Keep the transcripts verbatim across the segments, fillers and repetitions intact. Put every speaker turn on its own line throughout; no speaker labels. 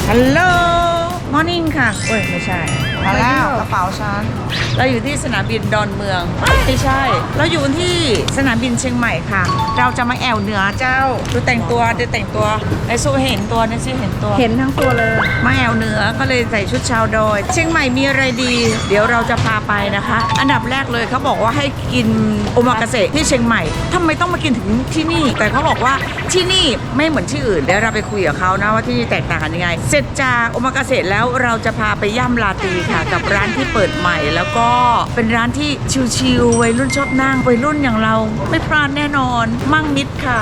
ฮัลโหลมอร์นิ่งค่ะโอ้ยไม่ใช่มาแล้วกระเป๋าฉันเราอยู่ที่สนามบินดอนเมืองไม่ใช่เราอยู่ที่สนามบินเชียงใหม่ค่ะเราจะมาแอวเหนือเจ้าดูแต่งตัวดูแต่งตัวไอซูเห็นตัวนะซิเห็นตัวเห็นทั้งตัวเลยมาแอวเหนือก็เลยใส่ชุดชาวดอยเชียงใหม่มีอะไรดีเดี๋ยวเราจะพาไปนะคะอันดับแรกเลยเขาบอกว่าให้กินโอมากาเสะที่เชียงใหม่ทำไมต้องมากินถึงที่นี่แต่เขาบอกว่าที่นี่ไม่เหมือนที่อื่นเดี๋ยวเราไปคุยกับเขานะว่าที่นี่แตกต่างกันยังไงเสร็จจากโอมากาเสะแล้วเราจะพาไปย่ำลาตีค่ะกับร้านที่เปิดใหม่แล้วก็เป็นร้านที่ชิลๆวัยรุ่นชอบนั่งวัยรุ่นอย่างเราไม่พลาดแน่นอนมั่งมิดค่ะ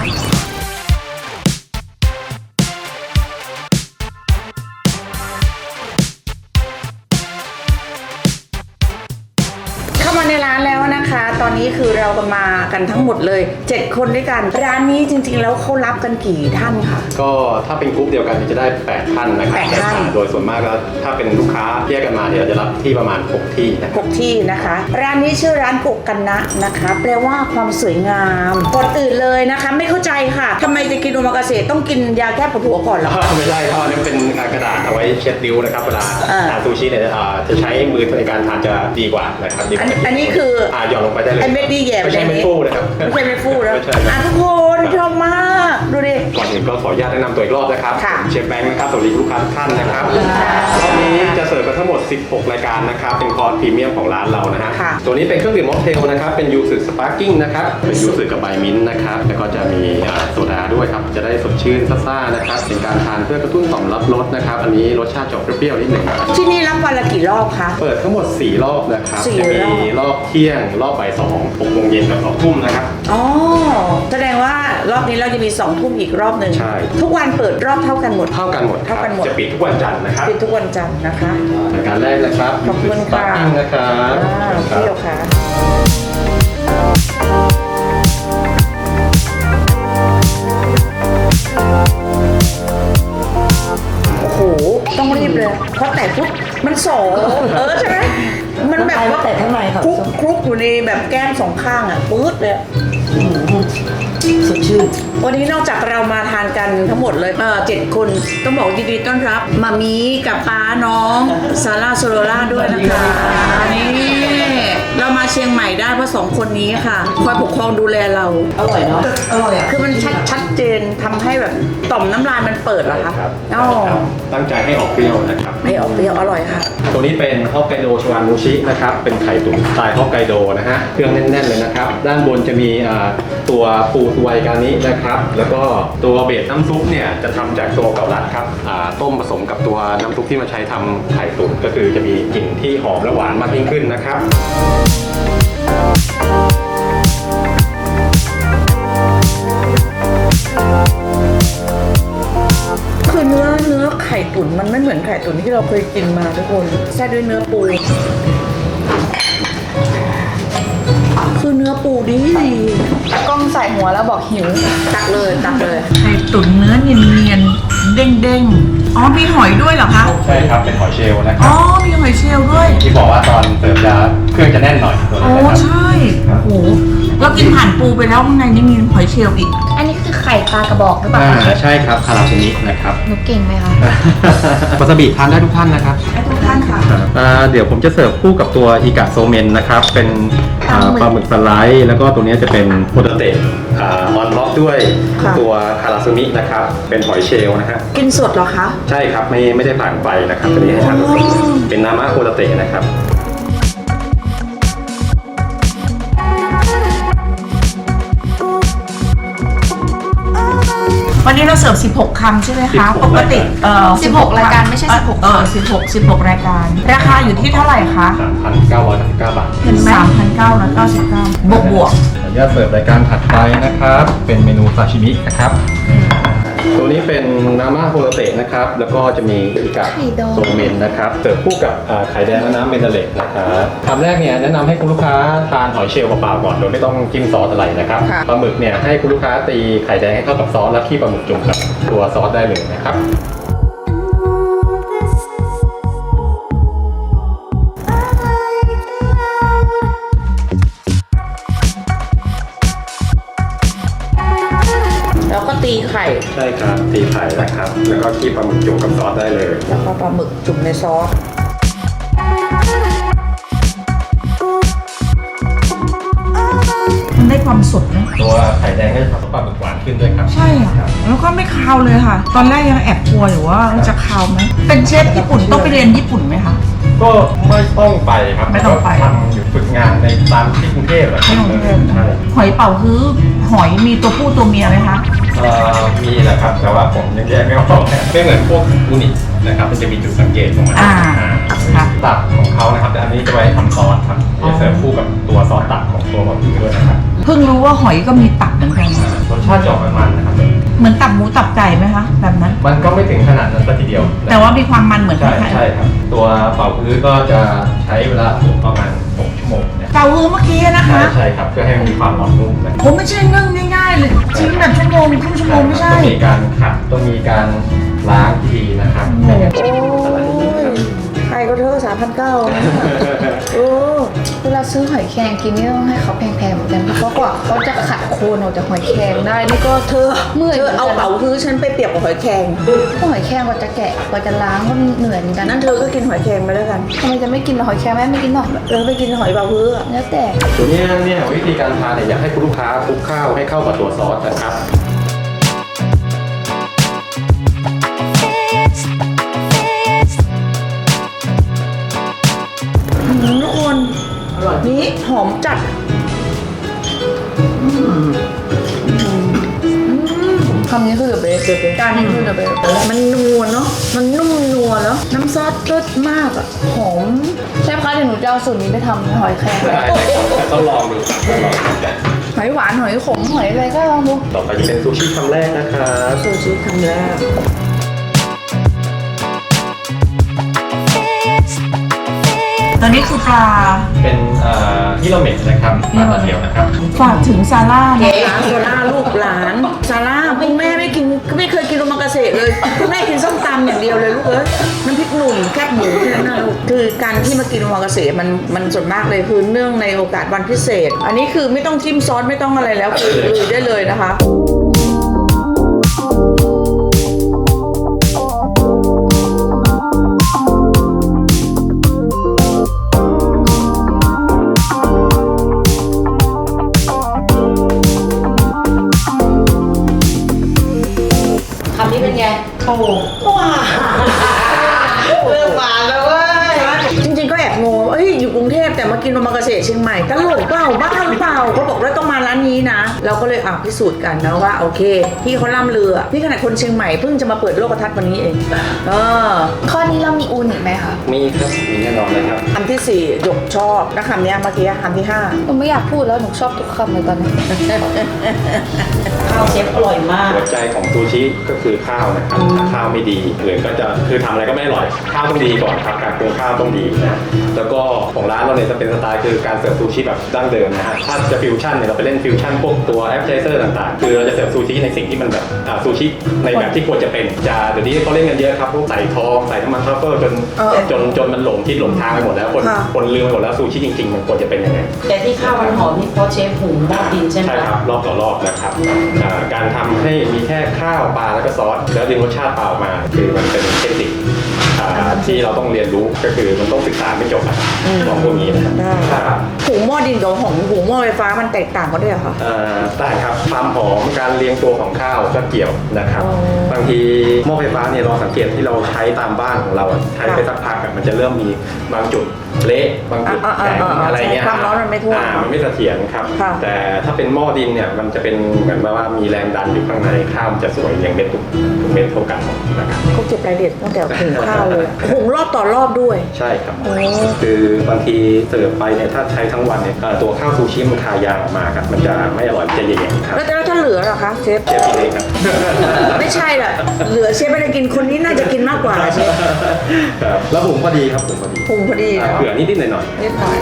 มาในร้านแล้วนะคะตอนนี้คือเรากันมากันทั้งหมดเลยเจ็ดคนด้วยกันร้านนี้จริงๆแล้วเขารับกันกี่ท่านคะ
ก็ถ้าเป็นกรุ๊ปเดียวกันจะได้แปดท่านนะครับ
แปดท่าน
โดยส่วนมากแล้วถ้าเป็นลูกค้าแยกกันมาเนี่ยเราจะรับที่ประมาณหกที่นะ
หกที่นะคะร้านนี้ชื่อร้านกุกกันนะนะคะแปลว่าความสวยงามก่อนอื่นเลยนะคะไม่เข้าใจค่ะทำไมจะกินโอมากาเสะต้องกินยาแก้ปวดหัวก่อนหรอ
ไม่ใช่ครับนี่เป็นกระดาษเอาไว้เช็ดริ้วนะครับเวลาทานซูชิเนี่ยจะใช้มือในการทานจะดีกว่านะครับ
อันนี้คือ
อ่าหย่อนลงไปได้เลย
ไอเม็ดดีแย่
ไม่ใช่เม็ดฟูนะครับ
ไม่ใช่เม็ดฟูแล้วอ่ะทุกคนชอบมากดูดิ
ก่อนอื่นก็ขออนุญาตแนะนำตัวอีกรอบนะครับเชฟแบงค์นะครับสวัสดีลูกค้าทุกท่านนะครับรอบนี้จะเสิร์ฟกันทั้งหมดสิบหกรายการนะครับเป็นคอร์สพรีเมียมของร้านเรานะฮะตัวนี้เป็นเครื่องดื่มม็อกเทลนะครับเป็นยูสึสปาร์กิ้งนะครับเป็นยูสึกับใบมิ้นท์นะครับแล้วก็จะมีโซดาด้วยครับจะได้สดชื่นซ่าๆนะครับเป็นการทานเพื่อกระตุ้นต่อมรับรสนะครับอันนี้รสชาติจะเปรี้ยวๆนิดหนึ่ง
ที่นี่รับวันละกี่รอบคะ
เปิดทั้งหมดสี่รอบนะครับจะมีรอบเที่ยงรอบบ่ายสองหกโมงเย็นกับสองทุ่มนะครับ
อ๋อแสดงว่ารอบนี้เราจะมีสองทุ่มอีกรอบหนึ่ง
ใช่
ทุกวันเปิดรอบเท่ากันหมด
เท่ากันหมด
เท่ากันหมด
จะปิดทุกวันจันทร์นะครับ
ปิดทุกวันจันทร์นะคะ
รายการแรกนะครับ
ขอบคุณค่ะ
นะครับ
เที่ยวค่ะโอ้โหต้องรีบเลยเพราะแต่ปุ๊บมันโสเออใช่ไหมมันแบบว่าแต่ข้างในค่ะคลุกคลุกอยู่ในแบบแก้มสองข้างอ่ะปื๊ดเลยสดชื่นวันนี้นอกจากเรามาทานกันทั้งหมดเลยเออเจ็ดคนต้องบอกยินดีต้อนรับมามีกับป้าน้องซาร่าโซโลล่าด้วยนะคะนี่เรามาเชียงใหม่ได้เพราะสองคนนี้ค่ะคอยปกครองดูแลเราอร่อยเนาะอร่อยอ่ะคือมันชัดชัดเจนทำให้แบบต่อมน้ำลายมันเปิดเหรอคะ
อ๋อตั้งใจให้ออกเปรี้ยวนะครับ
ให้ออกเปรี้ยวอร่อยค่ะ
ตัวนี้เป็นฮอกไกโดชวามูชินะครับเป็นไข่ตุ๋นสไตล์ฮอกไกโดนะฮะเครื่องแน่นๆเลยนะครับด้านบนจะมีตัวปูสไวกานินะครับแล้วก็ตัวเบสน้ำซุปเนี่ยจะทำจากตัวเกาลัดครับต้มผสมกับตัวน้ำซุปที่มาใช้ทำไข่ตุ๋นก็คือจะมีกลิ่นที่หอมและหวานมากยิ่งขึ้นนะครับ
คือเนื้อเนื้อไข่ตุ๋นมันไม่เหมือนไข่ตุ๋นที่เราเคยกินมาทุกคนแช่ด้วยเนื้อปูคือเนื้อปูดีกล้องใส่หัวแล้วบอกหิวตักเลยตักเลยไข่ตุ๋นเนื้อเนียนๆเด้งๆอ๋อมีหอยด้วยเหรอคะ
ใช่ครับเป็นหอยเชลล์นะครั
อ๋อมีหอยเชลล์ด้วย
ที่บอกว่าตอนเสิร์ฟจะเครื่องจะแน่นหน่อยตัวนี้
นะครับอ๋อใช่โอ้โหเรากินผ่านปูไปแล้วข้างในนี่มีหอยเชลล์อีก
อันนี้คือไข่ปลากระบอกหรือเปล่า
คะใช่ครับคาราซูมินะครับ
หนูเก่งไหมคะ
วาซาบิทานได้ทุกท่านนะครับ
ได้ทุกท่านค่ะ
เดี๋ยวผมจะเสิร์ฟคู่กับตัวอิกะโซเมนนะครับเป็นปลาหมึกสไลด์แล้วก็ตัวนี้จะเป็นโพเตเตะออนล็อกด้วยตัวคาราซูมินะครับเป็นหอยเชลล์นะฮะ
กินสดเหรอคะ
ใช่ครับไม่ไม่ได้ผ่านไฟนะครับตัวนี้ให้ทานสดเป็นนามะโพเตเตะนะครับ
วันนี้เราเสิร์ฟสิบหกคำใช่ไหมคะปกติเอ่อ
สิบหกรายการไม่ใช่สิบหก
เออสิบหก สิบหกรายการราคาอยู่ที่เท่าไหร่คะ
สามพันเก้าร้อยเก้าสิบเก้า บาท
เห็นไหม สามพันเก้าร้อยเก้าสิบเก้า บวกบวก
ขออนุญาตเสิร์ฟรายการถัดไปนะครับเป็นเมนูซาชิมินะครับตัวนี้เป็นนาม่าโฮโรเตะนะครับแล้วก็จะมีอิกะโซเมนนะครับเสิร์ฟคู่กับไข่แดงและน้ำเมนเดเลตนะครับคำแรกเนี่ยแนะนำให้คุณลูกค้าทานหอยเชลล์เปล่าๆก่อนโดยไม่ต้องจิ้มซอสอะไรนะครับปลาหมึกเนี่ยให้คุณลูกค้าตีไข่แดงให้เข้ากับซอสแล้วขี้ปลาหมึกจุ่มกับตัวซอสได้เลยนะครับ
แล้วก็ตีไข่
ใช่ครับตีไข่นะครับ แล้วก็คีบปลาหมึกจุ่มกับซอสได้เลย
แล้วก็ปลาหมึกจุ่มในซอสมันได้ความสดนะ
ตัวไข่แดงก็จะทำให้ปลาหมึกหวานขึ้นด้วยครับ
ใช่ค่ะแล้วก็ไม่คาวเลยค่ะ ตอนแรกยังแอบกลัวอยู่ว่าจะคาวไหมเป็นเชฟญี่ปุ่นต้องไปเรียนญี่ปุ่นไหมคะ
ก็ไม่ต้องไปครับ
ไม่ต้องไป
ก็ทำอยู่ฝึกงานในตามที่กรุงเทพแหละครับ
ที่กรุงเทพ
ใช่
หอยเป๋าฮื้อหอยมีตัวผู้ตัวเมียไหมคะ
เอ่อมีแหละครับ แต่ว่าผมยังแยกไม่ออกไม่เหมือนพวกอูนินะครับ มันจะมีจุดสังเกตของมัน
อ่า
อ่า
ค่ะ
ตับของเขานะครับแต่อันนี้จะไว้ทำซอสครับจะเสิร์ฟคู่กับตัวซอสตับของตัวบะหมี่ด้วยนะครับ
เพิ่งรู้ว่าหอยก็มีตับเหมือนกัน
รสชาติจะออกมันๆนะครับ
เหมือนตับหมูตับไก่ไหมคะแบบนั้น
มันก็ไม่ถึงขนาดนั้นซะทีเดียว
แต่ว่ามีความมันเหมือนกั
ใช่
น
ใช่ครับ ตัวเป่าพื้นก็จะใช้เวลาอบประมาณหกชั่วโมงเนี่ย
เป๋าฮื้อเมื่อกี้นะ
ใช่
คะ
ใช่ครับเพื่อให้มันมีความหอมนุ่มนะ
ผมไม่ใช่นึ่งง่ายๆเลยชิ้นแบบชั่วโมงครึ่งชั่วโมงไม่ใช่
ต้องมีการขัดต้องมีการล้างที่ดีนะครับไม่งั้นอะไรอย่างนี้ครับ
ใครก็เธอสามพันเก้าโอ้
เวลาซื้อหอยแครงกินนี่ต้องให้เขาแพงๆเหมือนกันเพราะกว่าเขาจะขัดโคนออกจากหอยแครงได้นี่ก็
เธอ
เมื่อย
เธอเอาเป๋าฮื้อฉันไปเปรียบกับหอยแครง
หอยแครงกว่าจะแกะกว่าจะล้างก็เหนื่อยเหมือนกัน
นั่นเธอก็กินหอยแครงไปแล้วกัน
ทำไมจะไม่กินหอยแครงแม่ไม่กินหรอก
เราไปกินหอยเป๋าฮื้ออะ
แล้วแต่
ตัวนี้เนี่ยวิธีการทานเนี่ยอยากให้คุณลูกค้าคลุกข้าวให้เข้ากับตัวซอสนะครับ
อืมทุกคนนี่หอมจัดอืม
คำนี้คือเดอะเบสจานนี้คือเดอะเบส
มันนัวเนาะมันนุ่มนัวแล้วน้ำซอสรสมากอะหอม
ใช่คะเดี๋ยวหนูจะเอาสูตรนี้ไปทำหอยแครง
ได้แต่ต้องลองดูครับต้องลองดูกัน
หอยหวานหอยขมหอยอะไรก็ลองดู
ต่อไปจะเป็นซูชิคำแรกนะครับ
ซูชิคำแรก ตอนนี้คือปลา
เป็นเอ่อฮิโรเมะนะครับปลาตะเดียวนะครับ
ฝากถึงซาร่านะคะซาร่าลูกหลานซาร่าคุณแม่ไม่กินไม่เคยกินโอมากาเสะเลยคุณแม่กินส้มตำอย่างเดียวเลยลูกเอ้ยน้ำพริกหนุ่มแคบหมูแค่นั้นนะลูกคือการที่มากินโอมากาเสะมันมันส่วนมากเลยคือเนื่องในโอกาสวันพิเศษ อันนี้คือไม่ต้องจิ้มซอสไม่ต้องอะไรแล้วคือลุยได้เลยนะคะ
คำนี้เป็นไง
โอ้ว้าเริ่มหวานแล้วเว้ยจริงๆก็แอบงงเอ้ยอยู่กรุงเทพแต่มากินโอมากาเสะเชียงใหม่ตลกเปล่าบ้าหรือเปล่าเขาบอกว่าต้องมาร้านนี้นะเราก็เลยอ่ะพิสูจน์กันนะว่าโอเคพี่เขาล่ำเรือพี่ขนาดคนเชียงใหม่เพิ่งจะมาเปิดโลกทัศน์วันนี้เองเออ
ข้อนี้เรามีอูนิไหมคะ
มีครับมีแน่นอนเลยครับ
คำที่สี่หยกชอบนะคำเนี้ยเมื่อกี้คำที่ห้า
หนูไม่อยากพูดแล้วหนูชอบทุกคำเลยตอนนี้
ข้าวเชฟอร่อยมาก
หัวใจของซูชิก็คือข้าวนะครับถ้าข้าวไม่ดีหรือก็จะคือทำอะไรก็ไม่อร่อยข้าวต้องดีก่อนครับการปรุงข้าวต้องดีนะแล้วก็ของร้านเราเนี่ยจะเป็นสไตล์คือการเสิร์ฟซูชิแบบดั้งเดิมนะฮะถ้าจะฟิวชั่นเนี่ยเราไปเล่นฟิวชั่นพวกตัวแอปเจเซอร์ต่างๆคือเราจะเสิร์ฟซูชิในสิ่งที่มันแบบอ่าซูชิในแบบที่ควรจะเป็นจะเดี๋ยวนี้เขาเล่นกันเยอะครับพวกใส่ทองใส่น้ำมันทรัฟเฟิลจน
เออ
จนจนมันหลงทิศหลงทางไปหมดแล้วคน
ค่ะ
คนลืมไปหมดแล้วซูชิจริงๆมันควรจะเป็นยังไง
แต่ที่ข้าวมันหอมนี่เพราะเชฟหุงหม้อดินใช่ไหม
ใช่ครับรอบต่อรอบนะครับอ่าการทำให้มีแค่ข้าวปลาแล้วก็ซอสแล้วดึงรสชาติเปล่าออกมา คือมันเป็นเทคนิคอ่าที่เราต้องเรียนรู้ก็คือมันต้องศึกษาไม่จบอะของพวกนี้นะครับ
ได้
ครับ
หุงหม้อดินกับหุงหุงหม้อไฟฟ้ามันแตกต่างกันด้วยเหรอคะ
อ่าได้ครับความหอมการเรียงตัวของข้าวก็เกี่ยวนะครับ
อ๋อ
บางทีหม้อไฟฟ้าเนี่ยเราสังเกตที่เราใช้ตามบ้านของเราอะใช้ไปสักพักอะมันจะเริ่มมีบางจุดเละบางจุด
อ่า
แข็ง
อ่าอ่า
อะไรเงี้ย
ความร้อนมันไม่ทั่ว
อ่ามันไม่เสถียรครับ
ค่ะ
แต่ถ้าเป็นหม้อดินเนี่ยมันจะเป็นเหมือนว่ามีแรงดันอยู่ข้างในข้าวมันจะสวยเรียงเม็ดทุกทุกเม็ดเท่ากันหมดนะครับ
เขาเก็บรายละเอียดตั้งแต่หุงข้าวเลยหุงรอบต่อรอบด้วย
ใช่ครับ
โอ้
คือบางทีเสิร์ฟไปเนี่ยถ้าใช้ทั้งวันเนี่ยเอ่อตัวข้าวซูชิมันคายางออกมาครับมันจะไม่อร่อยมันจะแย่ๆครับ
แล้วแล้วถ้าเหลือเหรอคะเชฟ
เชฟกินเองครับ
ไม่ใช่ล่ะเหลือเชฟไม่ได้กินคนนี้น่าจะกินมากกว่าเชฟ
ครับแล้วหุงพอดีครับหุงพอดี
หุงพอดี
อ่า
เนาะ
เผื่อนิดๆหน่อย
นิดหน่อย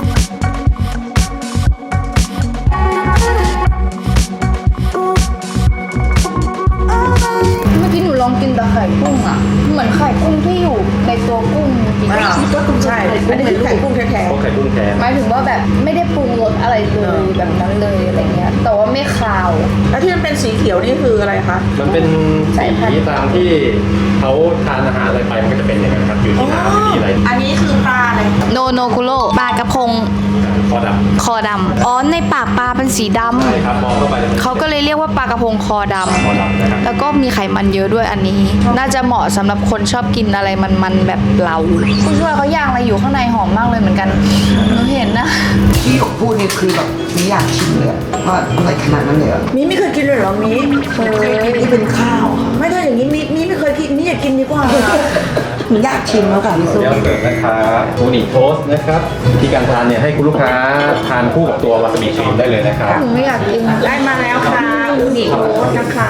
เมื่อกี้หนูลองกินแต่ไข่กุ้งอ่ะ เหมือนไข่กุ้งที่อยู่ในตัวกุ้งจริง
อ่าใช่อันนี้คือไข่กุ้งแท้
ๆพวกไข่กุ้งแท้
หมายถึงว่าแบบไม่ได้ปรุงรสอะไรเลยแบบนั้นเลยอะไรเงี้ย แต่ว่าไม่คาว
ๆแล้วที่มันเป็นเป็นสีเขียวนี่คืออะไรคะ
มันเป็นสีตามที่เขาทานอาหารอะไรไปมันก็จะเป็นอย่างนั้นครับอยู่ที่น้ำอยู่ที่อะไร
อันนี้คือปลาอะไร
โนโนกุโร่ปลากระพง
คอด
คอดำอ๋อในปากปลาเป็นสีด
ำใช่ครับมองเข้าไปจะเป็น
ำเขาก็เลยเรียกว่าปลากระพงคอด
คอดำนะครับ
ำแล้วก็มีไขมันเยอะด้วยอันนี้ น่าจะเหมาะสำหรับคนชอบกินอะไรมันๆแบบเราผู้ช่วยเขาย่างอะไรอยู่ข้างในหอมมากเลยเหมือนกันหนูเห็นนะ
ที่หยกพูดนี่คือแบบไม่อยากชิมเลยอะว่าอร่อยขนาดนั้นเลยเหรอ
มีไม่เคยกินเลยเหรอมี
เคย
นี่เป็นข้าวค่ะ
ไม่ถ้าอย่างนี้มีมีไม่เคยกินมีอยากกินดีกว่า
หนูอยากชิมแล้วค่ะพี่ส้ม
เดี๋ยวเสิร์ฟนะครับอูนิโทสต์นะครับวิธีการทานเนี่ยให้คุณลูกค้าทานคู่กับตัววาซาบิครีมได้เลยนะครับ
หนูไม่อยากกิน
ได้มาแล้วค่ะอูนิโทสต์นะคะ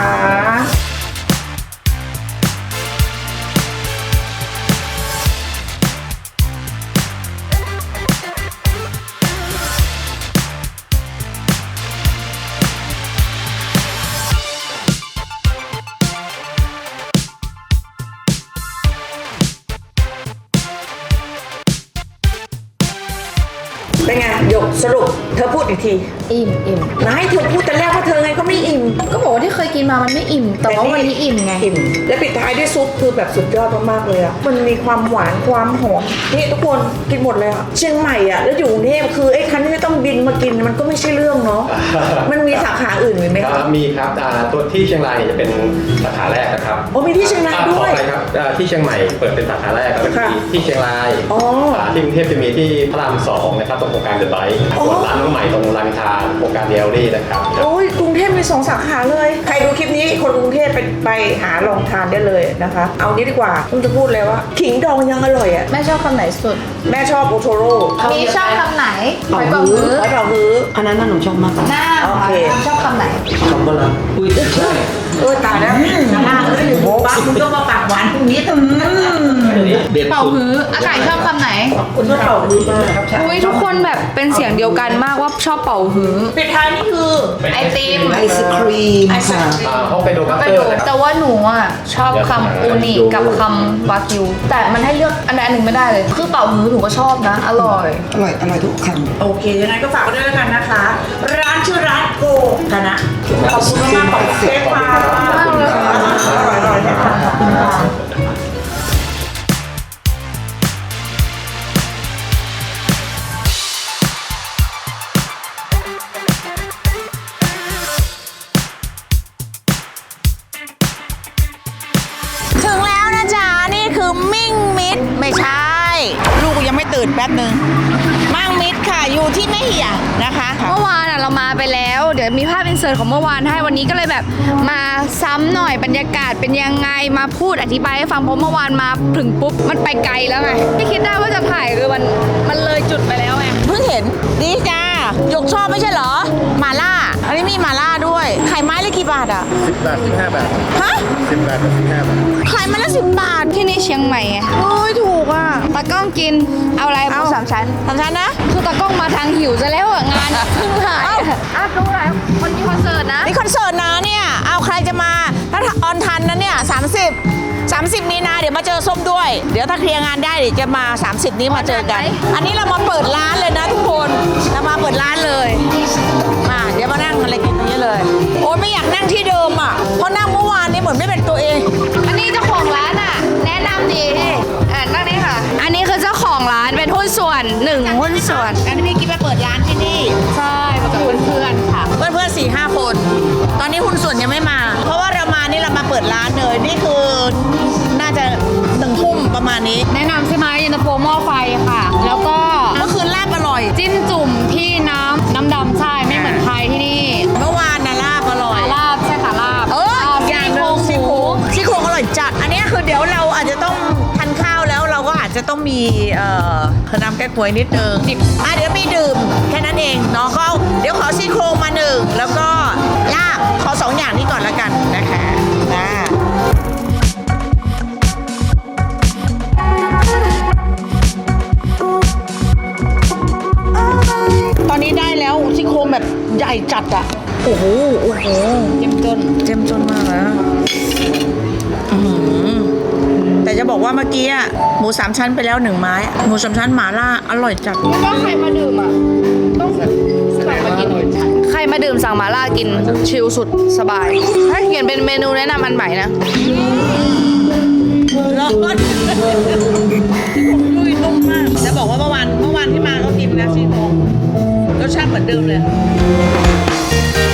เป็นไงหยกสรุปเธอพูดอีกที
อิ่มอิ่ม
นายเธอพูดแต่แรกว่าเธอไงก็ไม่อิ่ม
ก็บอกว่าที่เคยกินมามันไม่อิ่ม แต่ว่าวันนี้อิ่มไง
อิ่มและปิดท้ายด้วยซุปคือแบบสุดยอดมากๆเลยอ่ะมันมีความหวานความหอมนี่ทุกคนกินหมดเลยอ่ะเชียงใหม่อ่ะแล้วอยู่กรุงเทพคือไอ้คันที่ต้องบินมากินมันก็ไม่ใช่เรื่องเนาะ มันมีสาขาอื่นไหม
ค
คะ
รับมีครับอ่าตัวที่เชียงรายเนี่ยจะเป็นสาขาแรกนะครับ
โอ้มีที่เชียงรายด้วย
อ่ขอไปครับอ่าที่เชียงใหม่เปิดเป็นสาขาแรกแล้วก็
ค่ะ
มีที่เชียงราย
อ๋ออ่
าที่กรุงเทพจะมีที่พระรามสองนะครับตรงโครงการเดอะไบค์
อ๋อ
ส่วนร้านน้องใหม่ตรงรามอินทราโครงการเดลลี่นะครับ
โอ้ยกรุงเทพมีสองสาขาเลย ใครดูคลิปนี้คนกรุงเทพไปไปหาลองทานได้เลยนะคะ เอานี้ดีกว่าผมจะพูดเลยว่าขิงดองยังอร่อยอ่ะ
แม่ชอบคำไหนสุด
แม่ชอบโอโทโร่
มีชอบคำไหนหอยเป๋าฮื้อ
ไว้เราฮื้อ
อันนั้นน่ะหนูชอบมาก
หน้า
โอเค
ชอบคำไหน
ชอบก็แล้วอุ้ยใช่
เออตายแล้วหน้าเอ้ยป้าคุณก็มาปากหวานตรงนี้ตรงนี้
เด็ด
เป่า
สุด
ฮื้ออากาศชอบคำไหน
คุณก็เป่าฮื้อมาก
อุ้ยทุกคนแบบเป็นเสียงเดียวกันมากว่าชอบเป่าฮื้อ
ปิดท้ายนี่คือ
ไอติม
ไอศครีมค่ะ
อ่าห้องไปโดบัต
ไป
เตอ
ดู
ร์นะครับ
แต่ว่าหนูอ่ะชอบคำอูนิกับคำวากิว แต่มันให้เลือกอันใดอันหนึ่งไม่ได้เลย คือเป่าฮื้อหนูก็ชอบนะ อร่อย
อร่อยอร่อยทุกคำ
โอเคยังไงก็ฝากไว้ด้วยแล้วกันนะคะ ร้านชื่อร้านโกคณะขอบคุณมากๆขอบคุณเชฟค่ะอร่อยๆนะคะขอบคุณค่ะถึงแล้วนะจ๊ะ นี่คือมิ่งมิตรไม่ใช่ ลูกยังไม่ตื่นแป๊บหนึ่งมั่งมิตรค่ะ อยู่ที่แม่เหี่ยนะคะ
เมื่อวานอ่ะเรามาไปแล้ว เดี๋ยวมีภาพอินเสิร์ตของเมื่อวานให้วันนี้ก็เลยแบบมาซ้ำหน่อยบรรยากาศเป็นยังไงมาพูดอธิบายให้ฟังเพราะเมื่อวานมาถึงปุ๊บมันไปไกลแล้วไงไม่คิดได้ว่าจะถ่ายคือมันมันเลยจุดไปแล้วไง
เพิ่งเห็นดีจ้าหยกชอบไม่ใช่เหรอหมาล่า อันนี้มีหมาล่าด้วยไข่ไม้ละกี่บาทอ่ะ
สิบบาทสิบห้าบาท
ฮะ
สิบบาทกับสิบห้าบาท
ไข่ไม้ละสิบบาท
ที่นี่เชียงใหม่ไง
โอ้ยถูกอ่ะ
ตากล้องกินเอาอะไรหมูสามชั้น
สามชั้นนะ
คือตากล้องมาทางหิวซะแล้วอะงานเพิ่งถ่ายอะอ่ะดูอะไรคนที่คอนเสิร์ตนะ
นี่คอนเสิร์ตนะเนี่ย เอาใครจะมา ถ้าออนทันนะเนี่ยสามสิบ สามสิบมีนาเดี๋ยวมาเจอส้มด้วย เดี๋ยวถ้าเคลียร์งานได้เดี๋ยวจะมา สามสิบ นี้มาเจอกัน อันนี้เรามาเปิดร้านเลยนะทุกคน เรามาเปิดร้านเลย มาเดี๋ยวมานั่งอะไรกินตรงนี้เลย โอ้ยไม่อยากนั่งที่เดิมอ่ะ เพราะนั่งเมื่อวานนี้เหมือนไม่เป็นตัวเอง
อันนี้เจ้าของร้านอ่ะ แนะนำดีอ่ะนั่งนี่ค่ะ อันนี้คือเจ้าของร้านเป็นหุ้นส่วนหนึ่งหุ้นส่วน
อันนี้พี่กิ๊บมาเปิดร้านที่นี่
ใช่มากับเพื่อนๆค่ะ
เพื่อนเพื่อนสี่ห้าคน ตอนนี้หุ้นส่วนยังไม่มา เพราะว่าเรามานี่เรามาเปิดร้านเลย นี่คือน่าจะหนึ่งทุ่มประมาณนี้
แนะนำใช่ไหมเย็นตาโฟหม้อไฟค่ะ แล้วก็
เมื่อคืนลาบอร่อย
จิ้มจุ่มที่น้ำน้ำดำใช่ไม่เหมือนไทยที่นี่
เมื่อวานนะลาบอร่อย
ลาบใช่ค่ะลาบ
เออ
ลาบ
อย่างห
ซี่
นึ่ง
โครง
ซี่โครงซี่โครงอร่อยจัด อันนี้คือเดี๋ยวเราอาจจะต้องทานข้าวแล้วเราก็อาจจะต้องมีเอ่อน้ำแก้ควยนิดนึงอ่ะเดี๋ยวมีดื่มแค่นั้นเองเนาะก็เดี๋ยวขอซี่โครงมาหนึ่งแล้วก็ลาบขอสองอย่างนี้ก่อนละกันนะคะนะตอนนี้ได้แล้วซี่โครงแบบใหญ่จัดอะโอ้โหโอ้โห
เจ็มจน
เจ้มจนมากนะอื้อหือแต่จะบอกว่าเมื่อกี้อะหมูสามชั้นไปแล้วหนึ่งไม้ หมูสามชั้นหมาล่าอร่อยจัด
ก็ใครมาดื่มอ่ะต้องกลับมากินใครมาดื่มสั่งหมาล่ากินชิลสุดสบายถ้าเขียนเป็นเมนูแนะนำอันใหม่นะ
ร้อนลุยนุ่มมากจะบอกว่าเมื่อวานเมื่อวานที่มาก็กินนะซี่โครงรสชาติเหมือนเดิมเลย